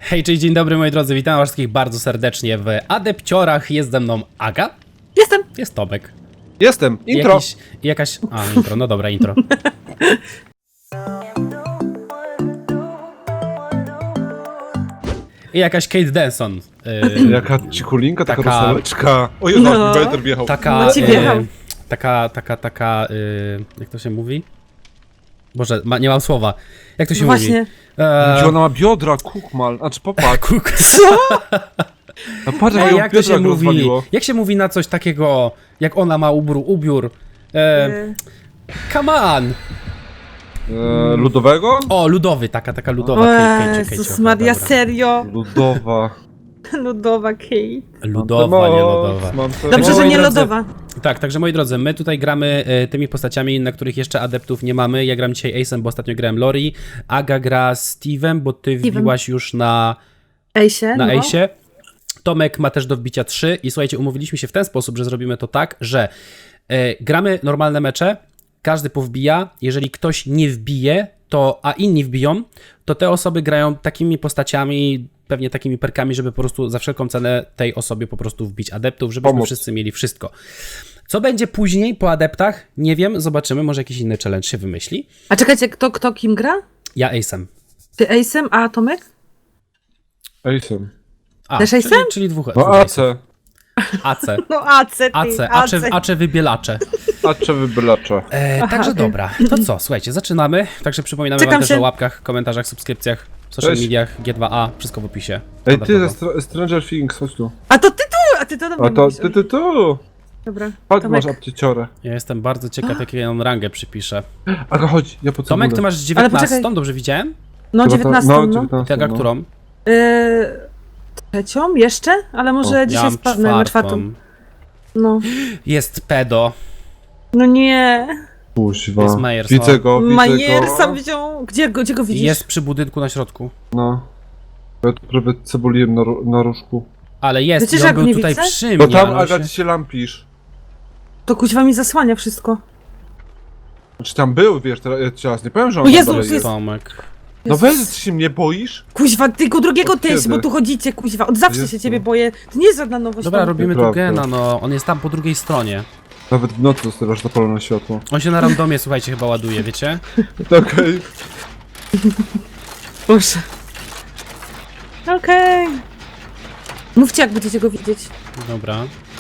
Hej, cześć, dzień dobry moi drodzy, witam was wszystkich bardzo serdecznie w Adepciorach. Jest ze mną Aga. Jestem. Jest Tomek. Jestem. Intro. Jakaś... A, intro, no dobra, intro. I jakaś Kate Denson. Jaka cikulinka, taka Taka- rosoleczka. O Jezu, No. mi Bejder wjechał. Taka... No ci wjechał. Jak to się mówi? Boże, nie mam słowa. Jak to się No mówi? właśnie. Gdzie ona ma biodra, kukmal. Znaczy popatrz. Kuk. A patrz, jak Ej, ją jak to biodra się mówi? rozwaliło. Jak się mówi na coś takiego, jak ona ma ubiór? Come on! Ludowego? O, ludowy, taka ludowa. O Kate, Jezus Maria, dobra. serio? Ludowa. Lodowa Kate. Ludowa, nie lodowa. Dobrze, że moi nie drodzy, lodowa. Tak, także moi drodzy, my tutaj gramy tymi postaciami, na których jeszcze adeptów nie mamy. Ja gram dzisiaj Ace'em, bo ostatnio grałem Lori. Aga gra Steve'em, bo ty wbiłaś już na Ejsie, no. Ace'ie. Tomek ma też do wbicia 3 i słuchajcie, umówiliśmy się w ten sposób, że zrobimy to tak, że gramy normalne mecze, każdy powbija, jeżeli ktoś nie wbije, a inni wbiją, to te osoby grają takimi postaciami, pewnie takimi perkami, żeby po prostu za wszelką cenę tej osobie po prostu wbić adeptów, żebyśmy Pomóc. wszyscy mieli wszystko. Co będzie później po adeptach? Nie wiem, zobaczymy, może jakiś inny challenge się wymyśli. A czekajcie, kto kim gra? Ja Ace'em. Ty Ejsem, a Tomek? Ejsem. A, Też czyli, Ace'em? czyli dwóch No AC. AC. No Ace, ty, Ace wybielacze. Acze wybylacze. Także okej. dobra, to co, słuchajcie, zaczynamy. Także przypominamy Czekam wam też się. o łapkach, komentarzach, subskrypcjach, w social Cześć. mediach, G2A, wszystko w opisie. Ej, ty Standardowo. ze Stranger Things, chodź tu. A to ty tu, a ty to do mnie A to mówisz. ty tu. Dobra, Chodź, Tomek. masz apcieciorę. Ja jestem bardzo ciekaw, jakie on rangę przypiszę. Aga, chodź, ja po Tomek, ty masz 19, poczekaj. dobrze widziałem? No, Chyba 19, no. no. 19, Ty, Aga, no. którą? Trzecią? Jeszcze? Ale może Ja dzisiaj mam spadnę na czwartą. No. Jest pedo. No nie. Jest Kuźwa. Myers, Widzę no. go, widzę Majer go. sam wziął. Gdzie go widzisz? Jest przy budynku na środku. No. Ja tu prawie cebuliłem na różku. Ale jest, Wiecie, i że on ja go był nie tutaj widzę? przy mnie. Bo tam, ale on Aga, się... ty się lampisz. To kuźwa mi zasłania wszystko. Znaczy tam był, wiesz, teraz nie powiem, że on O tam Jezu, dalej to jest- Tomek. No weź, ty się mnie boisz? Kuźwa, tylko drugiego Od też, kiedy? bo tu chodzicie, kuźwa. Od zawsze Jezu. się ciebie boję. To nie jest żadna nowość. Dobra, Tomek. robimy tu Prawda. gena, no. On jest tam po drugiej stronie. Nawet w nocy zostawiasz zapalone światło. On się na randomie, słuchajcie, chyba ładuje, wiecie? Okej. Boże. Okej. Mówcie, jak będziecie go widzieć. Dobra.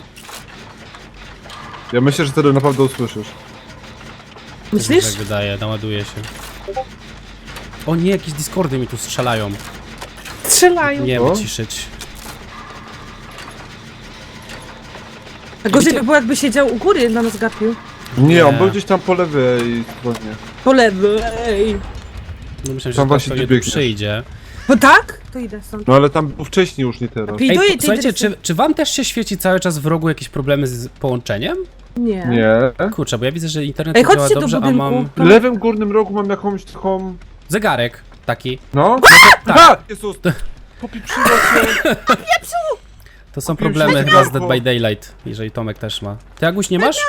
Ja myślę, że wtedy naprawdę usłyszysz. Myślisz? Tak wydaje, naładuje się. O nie, jakieś Discordy mi tu strzelają. Strzelają. Nie, O? wyciszyć. A gorzej Wiecie- by było, jakby siedział u góry, na nas gapił. Nie, on Nie. był gdzieś tam po lewej stronie. Po lewej. No myślałem, Tam że właśnie pewnie ty tu biegniesz. przyjdzie. No tak? To idę stąd. No ale tam był wcześniej już, nie teraz. Ej, Ej, słuchajcie, czy wam też się świeci cały czas w rogu jakieś problemy z połączeniem? Nie. Nie. Kurczę, bo ja widzę, że internet Ej, tu działa chodźcie do dobrze, a budynku. mam W lewym górnym rogu mam jakąś taką... zegarek taki. No? Tak. A! Jezus! Popieprzyło się! To są Kupiłem problemy sobie chyba z zegarko. Dead by Daylight, jeżeli Tomek też ma. Ty, Aguś, nie masz?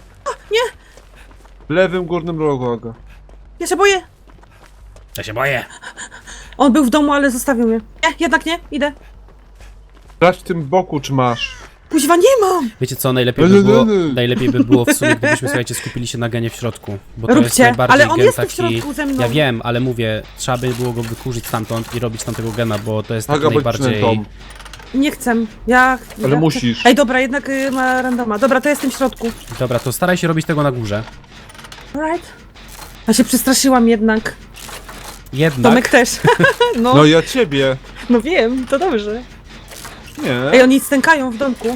W lewym górnym rogu, Aga. Ja się boję. Ja się boję. On był w domu, ale zostawił mnie. Nie, jednak nie. Idę. Sprawdź w tym boku, czy masz. Kuźwa, nie mam. Wiecie co, najlepiej by było w sumie, gdybyśmy, słuchajcie, skupili się na genie w środku. Bo to jest Róbcie, najbardziej ale on gen jest tu taki... w środku ze mną. Ja wiem, ale mówię, trzeba by było go wykurzyć stamtąd i robić tamtego gena, bo to jest taki Aga, bądź najbardziej... przynętą. Nie chcę. Ja... Ale ja musisz. Chcę. Ej, dobra, jednak ma randoma. Dobra, to jestem w środku. Dobra, to staraj się robić tego na górze. Alright. Ja się przestraszyłam jednak. Jednak... Tomek też. No, No ja ciebie. no wiem, to dobrze. Nie. Ej, oni stękają w domku.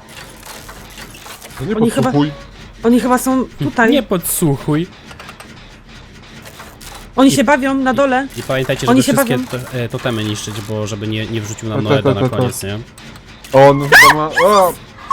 To nie oni chyba- podsłuchuj. Oni chyba są tutaj. Nie podsłuchuj. Oni się bawią na dole. I pamiętajcie, Oni żeby się wszystkie totemy niszczyć, bo żeby nie wrzucił nam Tak, Noeda tak, na tak, koniec, nie? On chyba ma... O!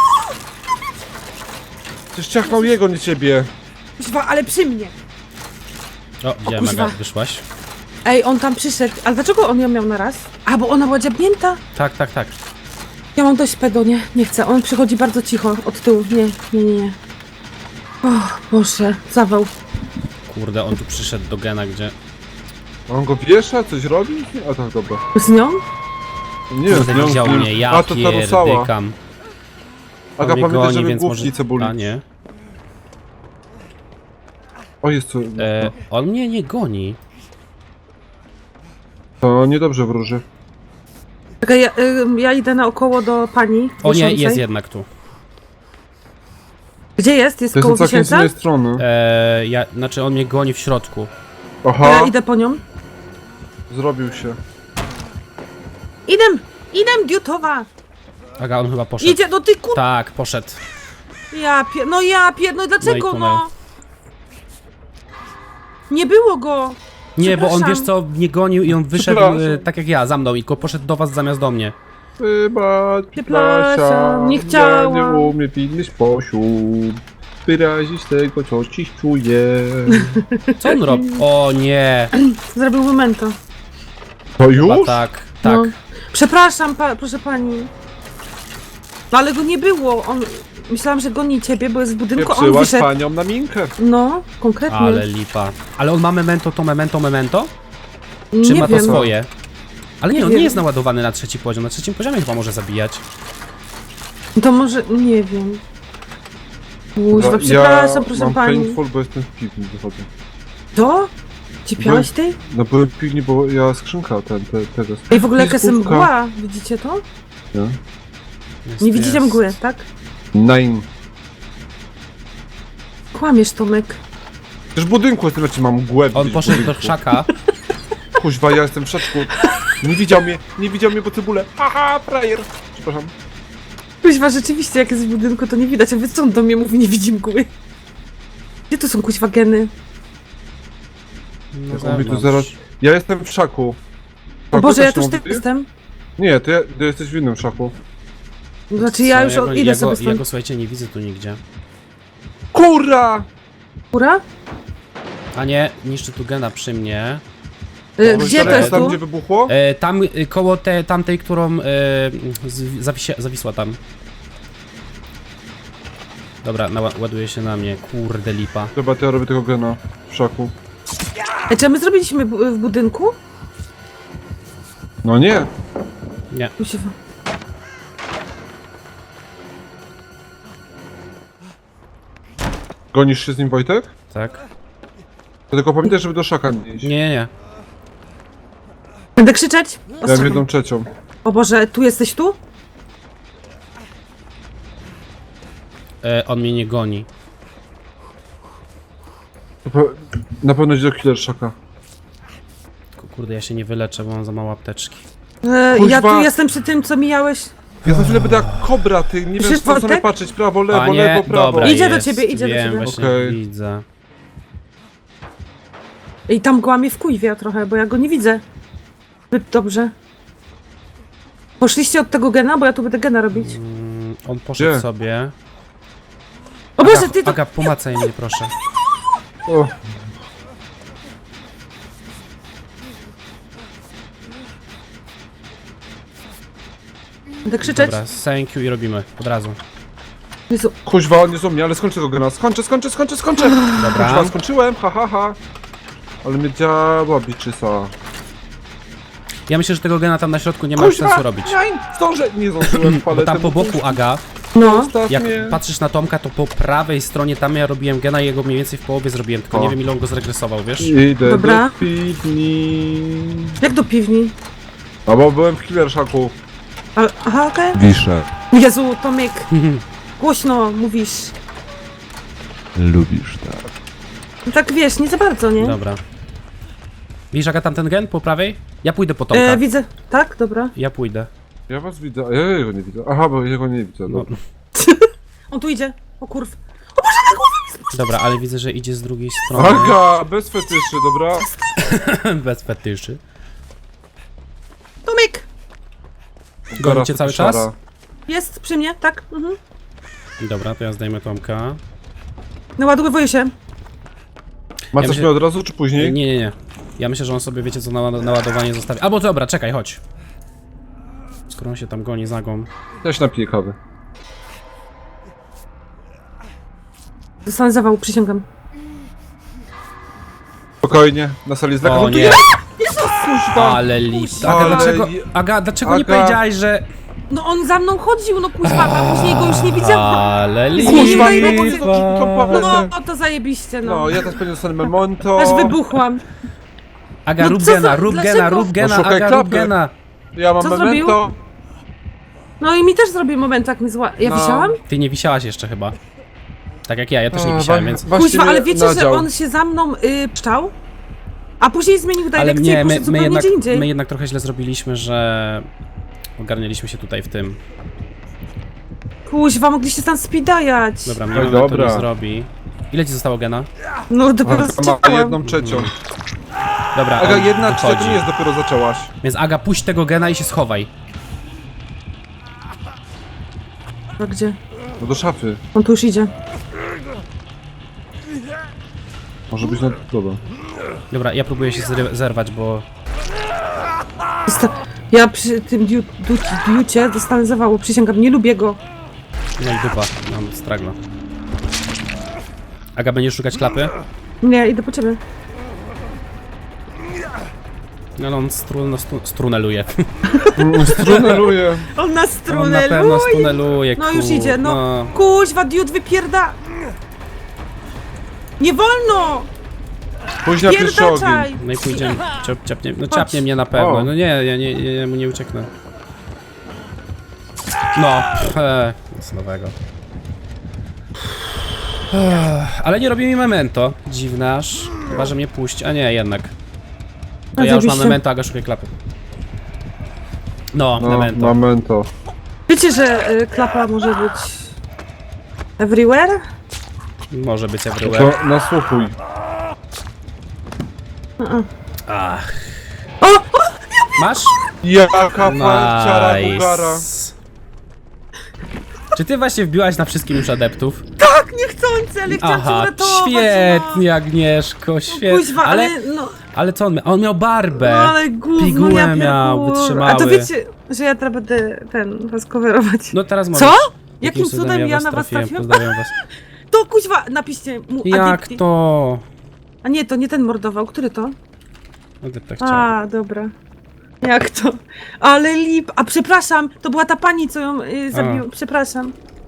Przecież ciachnął jego, nie ciebie. Kuźwa, ale przy mnie. O, widziałem, kuźwa. Aga, wyszłaś. Ej, on tam przyszedł. Ale dlaczego on ją miał na raz? A, bo ona była dziabnięta? Tak, tak, tak. Ja mam dość pedo, nie chcę. On przychodzi bardzo cicho od tyłu. Nie. O, Boże, zawał. Kurde, on tu przyszedł do gena, gdzie... On go wiesza? Coś robi? A tak, dobra. Z nią? Nie wiem, Kurde, widział mnie, ja A, to ta rusała. pierdykam. On Aga, mnie pamiętaj, goni, żeby więc główki może... cebuli. A nie. O, jest co. On mnie nie goni. To niedobrze wróży. Czekaj, ja idę naokoło do pani O nie, wiszącej. jest jednak tu. Gdzie jest? Jest To koło jest całkiem z wisielca? innej strony. Znaczy on mnie goni w środku. Aha, Ja idę po nią. zrobił się. Idę, diutowa! Aga, on chyba poszedł. Idzie, no ty kur... Tak, poszedł. no dlaczego tunel. no? Nie było go! Nie, bo on, Przepraszam. wiesz co, mnie gonił i on wyszedł Przepraszam. tak jak ja, za mną i go poszedł do was zamiast do mnie. Wybacz, Przepraszam, nie chciałam. Ja nie umiem w inny sposób wyrazić tego, co dziś czuję. Co on robi? O nie. Zrobił memento. To Chyba już? tak, tak. No. Przepraszam, proszę pani. No ale go nie było, on... Myślałam, że goni ciebie, bo jest w budynku, a on Pieprzyłaś wyszedł. panią na minkę. No, konkretnie. Ale lipa. Ale on ma memento, to memento? Czy nie ma wiem. to swoje? Ale nie, Nie on wiem. nie jest naładowany na 3. poziom. Na 3. poziomie chyba może zabijać. To może, nie wiem. Kuźwa, Ja przepraszam, proszę mam pani. painful, bo jestem w piwni, wychodzę. To? Cipiałeś tej? No byłem w piwni, bo ja skrzynka tego. Ej, w ogóle jaka jest Jest mgła, widzicie to? Nie? Jest, Nie widzicie jest. mgły, tak? Nine. Kłamiesz, Tomek. Też w budynku jestem, znaczy mam mgłę. On gdzieś w poszedł do budynku. krzaka. Kuźwa, ja jestem w szaczku. Nie widział mnie, bo cebulę. Haha, frajer. Przepraszam. Kuźwa, rzeczywiście, jak jest w budynku, to nie widać, a wy co on do mnie mówi, nie widzi mgły. Gdzie tu są kuźwa geny? No On mi tu zaraz... Ja jestem w szaku. O Boże, ja też też mówię? tu jestem. Nie, ty jesteś w innym szaku. Znaczy ja już idę sobie Ja stąd. go, słuchajcie, nie widzę tu nigdzie. Kurra! Kura? A nie, niszczy tu gena przy mnie. Gdzie to jest Tam, tu? gdzie wybuchło? Tam koło tamtej, którą zawisła tam. Dobra, ładuje się na mnie. Kurde lipa. Dobra, to ja robię tego gena w szaku. Czy my zrobiliśmy w budynku? No nie. Nie. Kuźwa. Gonisz się z nim, Wojtek? Tak? To tylko pamiętaj, żeby do szaka nie iść. Nie. Będę krzyczeć? Ja mam jedną trzecią. O Boże, tu jesteś tu? On mnie nie goni. Na pewno idzie do killer szaka. Kurde, ja się nie wyleczę, bo mam za mało apteczki. Ja Kuźwa. tu jestem przy tym, co mijałeś. Ja za chwilę będę jak kobra, ty. Nie wiem, Przecież co sobie Wojtek? patrzeć. Prawo, lewo, A nie, lewo, prawo. dobra Idzie do jest. ciebie, idzie do Wiem, ciebie. właśnie Okej. widzę. I tam mgła mnie wkuwia trochę, bo ja go nie widzę. Zbyt dobrze. Poszliście od tego gena, bo ja tu będę gena robić. On poszedł Gdzie? sobie. O Boże, ty to... Aga, pomacaj mnie proszę. O, Będę krzyczeć. Dobra, thank you i robimy. Od razu. Jezu. kuźwa, on nie są mnie, ale skończę tego gena. Skończę! Kuźwa, Dobra. skończyłem, ha. Ale mnie działa biczysa. Ja myślę, że tego gena tam na środku nie ma już sensu robić. Zdążę! Nie zdążyłem, Bo tam po boku, Aga, No. Zostaw jak mnie. patrzysz na Tomka, to po prawej stronie tam ja robiłem gena i jego mniej więcej w połowie zrobiłem, tylko O. nie wiem ile on go zregresował, wiesz? Idę Dobra. do piwni. Jak do piwni? A bo byłem w killer szaku. Aha, okej. Wiszę. Jezu, Tomek. Głośno mówisz. Lubisz tak. No tak wiesz, nie za bardzo, nie? Dobra. Widzisz Aga tam ten gen po prawej? Ja pójdę po Tomka. Widzę. Tak, dobra. Ja pójdę. Ja was widzę, a ja jego nie widzę. Aha, bo jego nie widzę. No, Dobra. On tu idzie. O kurw. dobra, ale widzę, że idzie z drugiej strony. Aga, bez fetyszy, dobra? Bez fetyszy. Tomek! Gonicie cały czas? Szara. Jest przy mnie, tak? Mhm. Dobra, to ja zdejmę Tomka. Naładowuję się. Ma Ja coś myślę- mnie od razu, czy później? Nie. Ja myślę, że on sobie, wiecie co, na ładowanie zostawi. Albo dobra, czekaj, chodź. Skoro on się tam goni za gą. Ja się napiję kawy. Dostanę zawału, przysięgam. Spokojnie, na sali jest O lekarz. nie! Ale lipa. Aga, dlaczego nie Aga. powiedziałaś, że... No on za mną chodził, no kuźwa, a później go już nie widziałam. Ale Kuźwa, nie nie widzę. to No, to zajebiście, no. No, ja teraz pewnie dostanę memento. Aż wybuchłam. Aga, No rób co za- gena, rób dlaczego? gena, rób gena, No szukaj Aga, rób klapy. gena. Ja mam Co memento. No i mi też zrobił moment, jak mi zła... Ja No. wisiałam? Ty nie wisiałaś jeszcze chyba. Tak jak ja też nie wisiałem, więc... Kuźwa, ale wiecie, że nadział. on się za mną pszczał? A później zmienił Ale dyrekcję i nie, poszedł zupełnie gdzie indziej. my jednak trochę źle zrobiliśmy, że... Ogarnialiśmy się tutaj w tym. Kuźwa, mogliście tam speedajać. Dobra, mnie Oj, moment to dobra. nie zrobi. Ile ci zostało gena? No dopiero Ma zczekałam. 1/3. Dobra, Aga, on 1/3 to wychodzi. nie jest, dopiero zaczęłaś. Więc Aga, puść tego gena i się schowaj. A gdzie? No do szafy. On tu już idzie. Może być na... Dobra. Dobra, ja próbuję się zerwać, bo... Ja przy tym diucie dostanę zawału, przysięgam, nie lubię go. No i dupa, mam stragla. Aga, będziesz szukać klapy? Nie, idę po ciebie. No, no on struneluje. Struneluję. On nas On na pewno struneluje, No już idzie, no. Kuźwa, diut wypierda... Nie wolno! Później na pierwszy ogień. Pierdaczaj! No i pójdziemy, ciapnie, no ciapnie mnie na pewno, O. no nie, ja mu nie ucieknę. No, nic nowego. Ale nie robi mi memento, dziwne aż, chyba że mnie puści, a nie, jednak. To A ja już mam zajebiście. memento, Aga, szukaj klapy. No, No, memento. memento. Wiecie, że klapa może być... Everywhere? Może być everywhere. To nasłuchuj. Ach. O! Masz? Jaka palciara Bugara. Nice. Czy ty właśnie wbiłaś na wszystkim już adeptów? Tak, niechcący, ale chciałam cię Aha, uratować. świetnie, Agnieszko, No. świetnie. Kuźwa, ale no... Ale co on miał? On miał barbę. No ale gówno, Pigułę ja miał, pierdolę. wytrzymały. A to wiecie, że ja teraz będę was coverować. No teraz możesz. Co? Jakim Jakim cudem ja na was trafiłem? trafiłam? Pozdrawiam was. To kuźwa, napiszcie mu Jak adepti. to? A nie, to nie ten mordował, który to? Adepta chciał. A, dobra. Jak to? Ale lip. A przepraszam, to była ta pani, co ją zabiła. Przepraszam.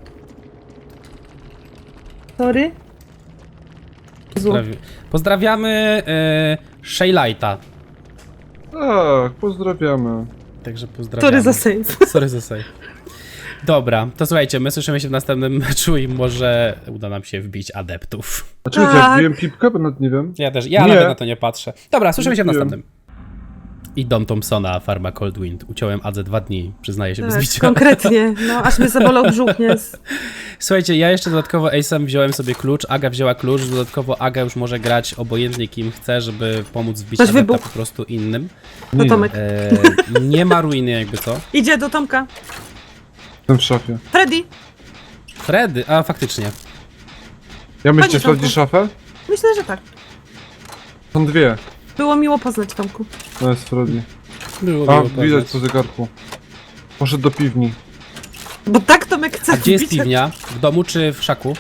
Sorry. Jezu. Pozdrawiamy Shaylighta. Tak, pozdrawiamy. Także pozdrawiamy. Sorry za save. Sorry za save. Dobra, to słuchajcie, my słyszymy się w następnym meczu i może uda nam się wbić adeptów. A czekajcie, Tak. ja wbiłem pipkę, bo nawet nie wiem. Ja Nie. nawet na to nie patrzę. Dobra, słyszymy się w Nie wiem. następnym. I Dom Thompsona, Farma Coldwind. Uciąłem Adze 2 dni, przyznaję się bez Tak, bicia. konkretnie. No, aż mnie zabolał brzuch, nie? Słuchajcie, ja jeszcze dodatkowo Ace'em wziąłem sobie klucz, Aga wzięła klucz, dodatkowo Aga już może grać obojętnie kim chce, żeby pomóc wbić Ktoś adepta wybuchł. po prostu innym. To Tomek. Nie ma ruiny jakby co. Idzie do Tomka. Jestem w szafie. Freddy. Freddy, a faktycznie. Ja myślę, Tomku. sprawdzić szafę? Myślę, że tak. Są dwie. Było miło poznać Tomku. No jest Freddy. Było A, miło widać poznać. po zegarku. Poszedł do piwni. Bo tak Tomek chce A gdzie jest wbić. piwnia? W domu czy w szaku?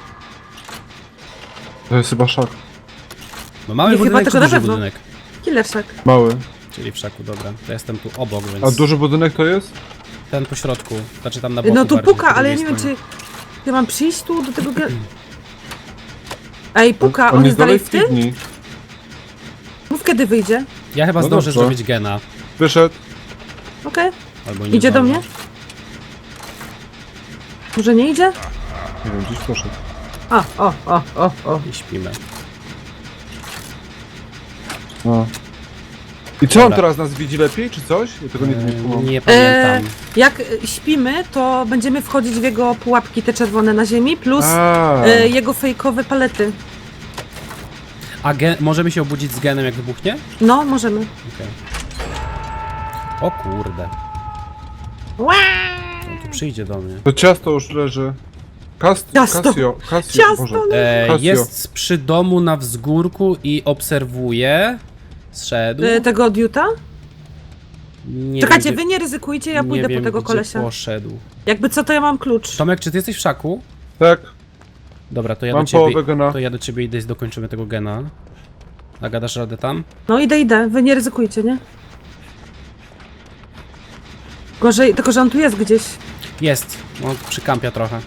To jest chyba szak. No mały Nie, chyba budynek czy tylko na duży pewno. budynek? Killerszak. Mały. Czyli w szaku, dobra. To jestem tu obok, więc A duży budynek to jest? ten po środku, znaczy tam na boku No tu bardziej, puka, po ale ja drugiej nie wiem, stronie. czy ja mam przyjść tu do tego... Ej, puka, on jest jest dalej w w tym? piwni. Mów kiedy wyjdzie. Ja chyba No zdążę dobrze. zrobić gena. Wyszedł. Okej. Albo nie Idzie do zdążę. mnie? Może nie idzie? Nie wiem, gdzieś poszedł. O. I śpimy. A. I co, on Dobra. teraz nas widzi lepiej, czy coś? Ja tego nigdy nie kumam. Nie pamiętam. Jak śpimy, to będziemy wchodzić w jego pułapki, te czerwone na ziemi, plus A. jego fejkowe palety. A możemy się obudzić z genem jak wybuchnie? No, możemy. Okej. O kurde. Ła! On tu przyjdzie do mnie. To ciasto już leży. Ciasto. Casio. Ciasto Boże. leży. Casio. Jest przy domu na wzgórku i obserwuje. Zszedł. Tego diuta? Nie Czekajcie, wiem, wy nie ryzykujcie, ja nie pójdę wiem, po tego gdzie kolesia. poszedł. Jakby co, to ja mam klucz. Tomek, czy ty jesteś w szaku? Tak, Dobra, to ja mam do ciebie. połowę gena. To ja do ciebie idę i dokończymy tego gena. A gadasz radę tam? No idę, wy nie ryzykujcie, nie? Gorzej, tylko że on tu jest gdzieś. Jest. On przykampia trochę.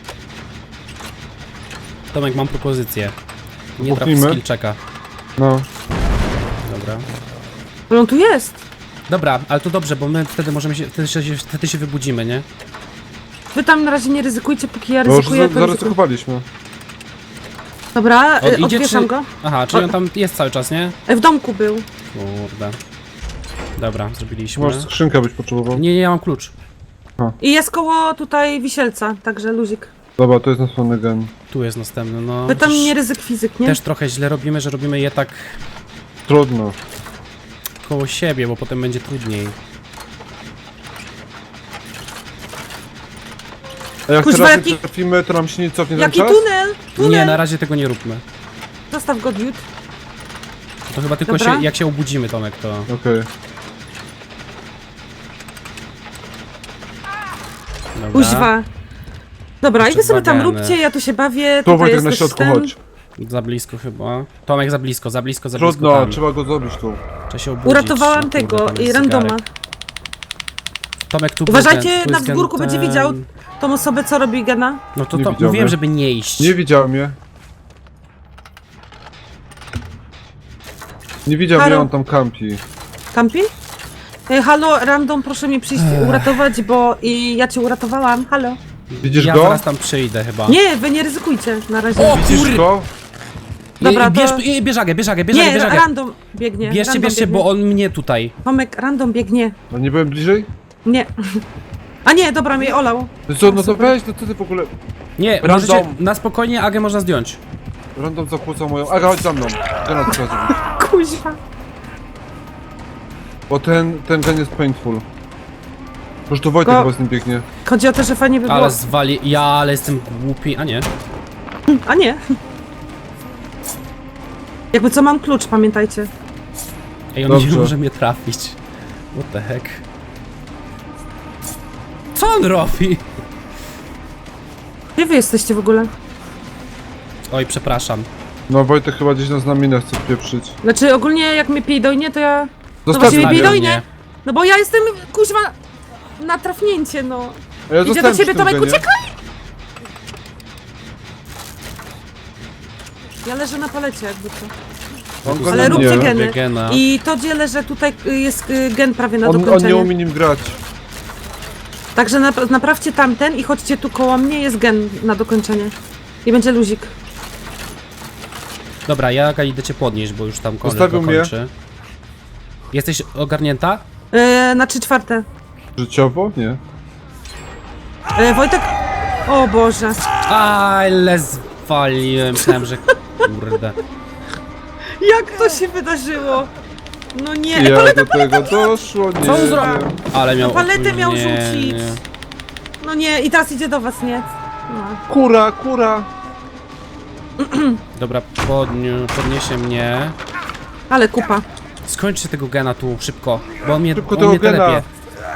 Tomek, mam propozycję. Nie traf Buchnijmy. skill checka. No. Dobra. Ale on tu jest. Dobra, ale to dobrze, bo my wtedy możemy się, wtedy się wybudzimy, nie? Wy tam na razie nie ryzykujcie, póki ja No już ryzykuję, to ryzykuję. zaryzykowaliśmy. Dobra, On idzie, odwieszam czy... go. Aha, czyli on tam jest cały czas, nie? W domku był. Kurde. Dobra, zrobiliśmy. Może skrzynkę byś potrzebował. Nie, ja mam klucz. I jest koło tutaj wisielca, także luzik. Dobra, to jest następny gen. Tu jest następny, no. Wy tam Chociaż nie ryzyk fizyk, nie? też trochę źle robimy, że robimy je tak Trudno. koło siebie, bo potem będzie trudniej. A jak Kuźwa, teraz jaki- nie trafimy, to nam się nie cofnie ten Jaki czas? tunel? Tunel! Nie, na razie tego nie róbmy. Zostaw go, Dude. To chyba tylko Dobra. się, jak się obudzimy, Tomek, to... Okej. Dobra. Kuźwa. Dobra, Jeszcze i wy sobie tam dwa geny. róbcie, ja tu się bawię. Tu tutaj Wojtek jest na też środku, ten. chodź. Za blisko chyba. Tomek, za blisko Trudno, tam. trzeba go zrobić tu. Trzeba się obudzić. Uratowałam No kurde, tego tam i jest randoma. zegarek. Tomek, tu Uważajcie, był ten, tu na jest gen wzgórku będzie ten. widział tą osobę, co robi gena. No to Nie widział mówiłem, mnie. żeby nie iść. Nie widział mnie. Nie widział Halo? mnie, on tam kampi. Kampi? Halo, random, proszę mnie przyjść uratować, bo i ja cię uratowałam. Halo. Widzisz Ja go? zaraz tam przyjdę chyba. Nie, wy nie ryzykujcie na razie. O, Widzisz kur- go? Dobra, Bierz, to- bieżagę, Nie, random biegnie. Bierzcie, random bierzcie, biegnie. bo on mnie tutaj. Tomek, random biegnie. A nie byłem bliżej? Nie. A nie, dobra, mnie olał. No co, no to weź, no co ty w ogóle... Nie, Random. możecie, na spokojnie Agę można zdjąć. Random zakłócał moją... Aga, chodź za mną. Gena to trzeba zrobić. Kuźwa. Bo ten gen jest painful. Już to Wojtek Go- chyba z nim biegnie. Chodzi o to, że fajnie by było... Ale zwali... Ja, ale jestem głupi. A nie. A nie. Jakby co, mam klucz, pamiętajcie. Ej, on nie Dobrze. może mnie trafić. What the heck? Co on robi? Gdzie wy jesteście w ogóle? Oj, przepraszam. No Wojtek chyba gdzieś nas na minę chce pieprzyć. Znaczy, ogólnie jak mnie pijdojnie, to ja... Zostaw właśnie mnie. bij do- Zostawił nie? mnie. No bo ja jestem, kuźwa, na trafnięcie, no. A ja Idzie do zostałem ciebie, przy tym Tomek, genie. uciekaj! Ja leżę na palecie, jakby co. On go Ale na róbcie mnie. geny. Gena. I to, gdzie leżę, tutaj jest gen prawie na On nie dokończenie. umie nim grać. Także naprawcie tamten i chodźcie tu koło mnie, jest gen na dokończenie. I będzie luzik. Dobra, ja idę cię podnieść, bo już tam kończy. Zostawił mnie. Jesteś ogarnięta? Na 3/4. Życiowo? Nie. Wojtek... O Boże. Ale zwaliłem, myślałem, że... Kurde. Jak to się wydarzyło? No nie. Jak do tego doszło? Nie Co on wiem. zrobił? Ale miał Paletę miał opóźnienie. rzucić. No nie, i teraz idzie do was, nie? No. Kura, kura. Dobra, podniesie mnie. Ale kupa. Skończcie tego gena tu, szybko. Bo on mnie, Szybko on tego mnie gena. telepie.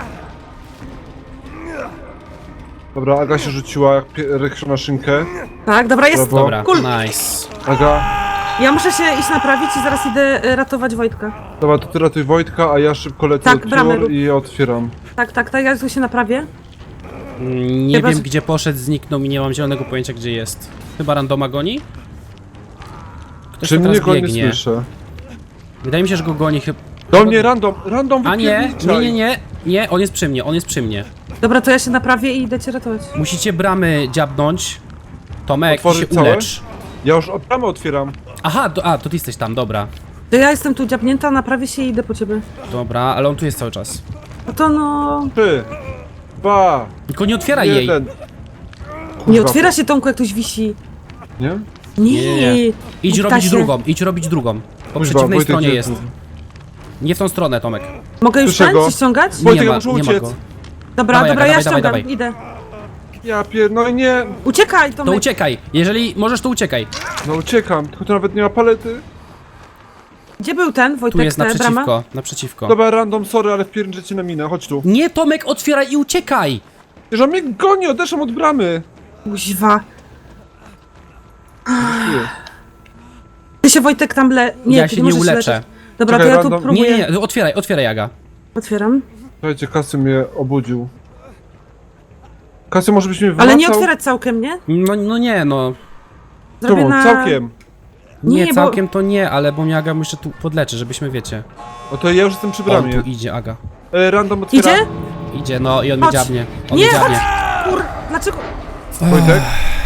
Dobra, Aga się rzuciła jak rykrza na szynkę. Tak, dobra, jest. Brawo. Dobra, Cool. nice. Aga, Ja muszę się iść naprawić i zaraz idę ratować Wojtka. dobra, to ty ratuj Wojtka, a ja szybko lecę Tak, od bramę piór rób. i otwieram. Tak, ja tu się naprawię. Nie Chyba, wiem że- gdzie poszedł, zniknął i nie mam zielonego pojęcia gdzie jest. Chyba randoma goni? Ktoś Czy tu mnie teraz go nie biegnie. słyszę? Wydaje mi się, że go goni chyba... Do mnie random A nie, wypierniczaj. nie, on jest przy mnie. Dobra, to ja się naprawię i idę cię ratować. Musicie bramy dziabnąć. Tomek, ty się Otworzyć całe? ulecz. Ja już bramę otwieram. Aha, to ty jesteś tam, dobra. To ja jestem tu dziabnięta, naprawię się i idę po ciebie. Dobra, ale on tu jest cały czas. No to no... 3, 2, Tylko nie otwieraj jej. 1. Nie otwiera się, Tomku, jak ktoś wisi. Nie? Nie. Idź Ptasie. robić drugą. Po Kuźwa, przeciwnej Wojtek stronie nie- jest. Nie w tą stronę, Tomek. Mogę już Słyszę go. ci ściągać? Wojtek, nie ma, muszę nie ma uciec. go. Dobra, Dawaj, dobra, Aga, ja dawaj, ściągam, dawaj. idę. No i nie. Uciekaj, To Tomek. uciekaj. Jeżeli możesz, to uciekaj. No uciekam, tylko to nawet nie ma palety. Gdzie był ten, Wojtek, Tu jest ta brama? naprzeciwko. Dobra, random, sorry, ale wpierniczę cię na minę, chodź tu. Nie, Tomek, otwieraj i uciekaj! Że mnie goni, odeszłam od bramy. Kuźwa. Ty się Wojtek tam Nie, Ja ty się nie możesz uleczę. leżeć. Dobra, Czekaj, to ja tu random. próbuję. Nie, otwieraj Aga. Otwieram. Słuchajcie, Kasy mnie obudził. Kasy może byś mnie Ale wymacał? nie otwierać całkiem, nie? No nie, no. Zrobię Czemu? na... Całkiem. Nie, Nie, całkiem to nie, ale bo mnie Aga jeszcze tu podleczy, żebyśmy wiecie. No to ja już jestem przy On bramie. tu idzie, Aga. Random otwiera. Idzie? Idzie, no i on mnie Chodź. dziabnie. On Nie, mnie dziabnie. Kur... Dlaczego? Wojtek?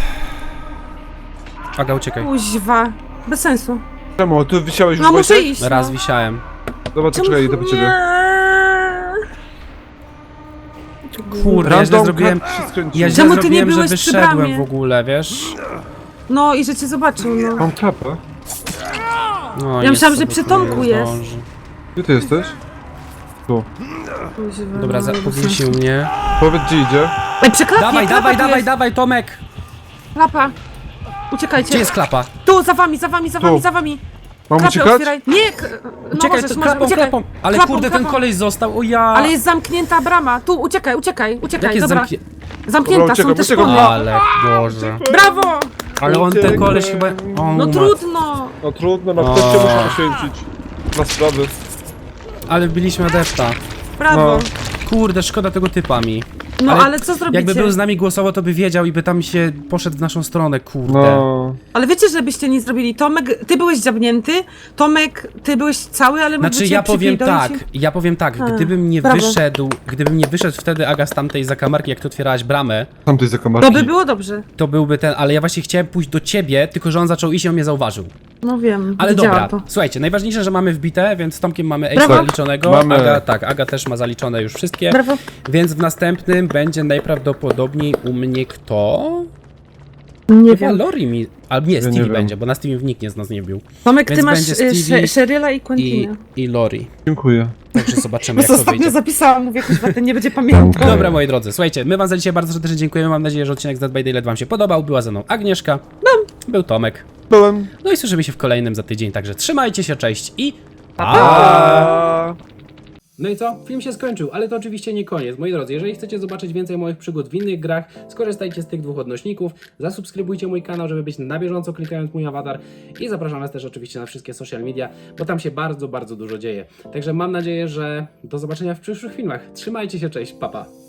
Aga, uciekaj. Kuźwa. Bez sensu. Czemu? Ty wisiałeś już, No muszę Wojtek? iść. Raz no. wisiałem. Dobra, to czekaj, idę po ciebie. Kurde, ja źle zrobiłem. kat się skręcił. Ja źle Czemu ty nie zrobiłem, że byłeś przy wyszedłem bramie? w ogóle, wiesz? No i że cię zobaczył, no. Mam klapę. No, Ja myślałam, niestety, że przy to Tomku nie jest. zdąży. Gdzie ty jesteś? Tu. Kuźwa, Dobra, no, bez powiesił sensu. mnie. Powiedz, gdzie idzie. Ej, przeklapnie, Dawaj, Tomek! Klapa. Uciekajcie. Gdzie jest klapa? Tu, za wami, za wami, za wami, Tu. za wami. Mam Klapę uciekać? otwieraj. Nie, no Uciekaj, możesz, to możesz, klapą, uciekaj. klapą! Ale Klapą, kurde, ten klapą. koleś został, o ja! Ale jest zamknięta brama. Tu, uciekaj, Jak jest dobra. Zamknięta, Dobra, są uciekam, też uciekam. spodnie. Ale Boże. Brawo! Ale on, ten koleś chyba... On No umarł. trudno. No trudno, no ktoś cię musi poświęcić. Na sprawy. Ale wbiliśmy adepta. Brawo. Kurde, szkoda tego typa mi. No ale co zrobicie? Jakby był z nami głosowo, to by wiedział i by tam się poszedł w naszą stronę, kurde. No. Ale wiecie, żebyście nie zrobili. Tomek, ty byłeś dziabnięty. Tomek, ty byłeś cały, ale mógłby Znaczy cię ja przypierdolić. powiem tak, A, gdybym nie brawo. wyszedł wtedy Aga z tamtej zakamarki, jak ty otwierałaś bramę, Tam tej zakamarki. To by było dobrze. to byłby ten, ale ja właśnie chciałem pójść do ciebie, tylko że on zaczął iść i on mnie zauważył. No wiem, Ale widziałam dobra, to. słuchajcie, najważniejsze, że mamy wbite, więc z Tomkiem mamy Brawo. ace zaliczonego, Mamy. Aga też ma zaliczone już wszystkie, Brawo. więc w następnym będzie najprawdopodobniej u mnie kto? Nie Chyba wiem. Lori mi, albo nie, Ja nie Stevie wiem. będzie, bo na Steamie nikt z nas nie bił. Tomek, Więc ty masz będzie Stevie Sheryla i I, Quentinę. i Lori, Dziękuję. także zobaczymy Bo jak to ostatnio wyjdzie. zapisałam, mówię, kuźwa, ten nie będzie pamiętał. Dobra, moi drodzy, słuchajcie, my wam za dzisiaj bardzo serdecznie dziękujemy. Mam nadzieję, że odcinek z Dead by Daylight wam się podobał. Była ze mną Agnieszka, był Tomek. Byłem. No i słyszymy się w kolejnym za tydzień, także trzymajcie się, cześć i pa! A. No i co? Film się skończył, ale to oczywiście nie koniec. Moi drodzy, jeżeli chcecie zobaczyć więcej moich przygód w innych grach, skorzystajcie z tych dwóch odnośników, zasubskrybujcie mój kanał, żeby być na bieżąco klikając mój awatar i zapraszam was też oczywiście na wszystkie social media, bo tam się bardzo, bardzo dużo dzieje. Także mam nadzieję, że do zobaczenia w przyszłych filmach. Trzymajcie się, cześć, pa pa!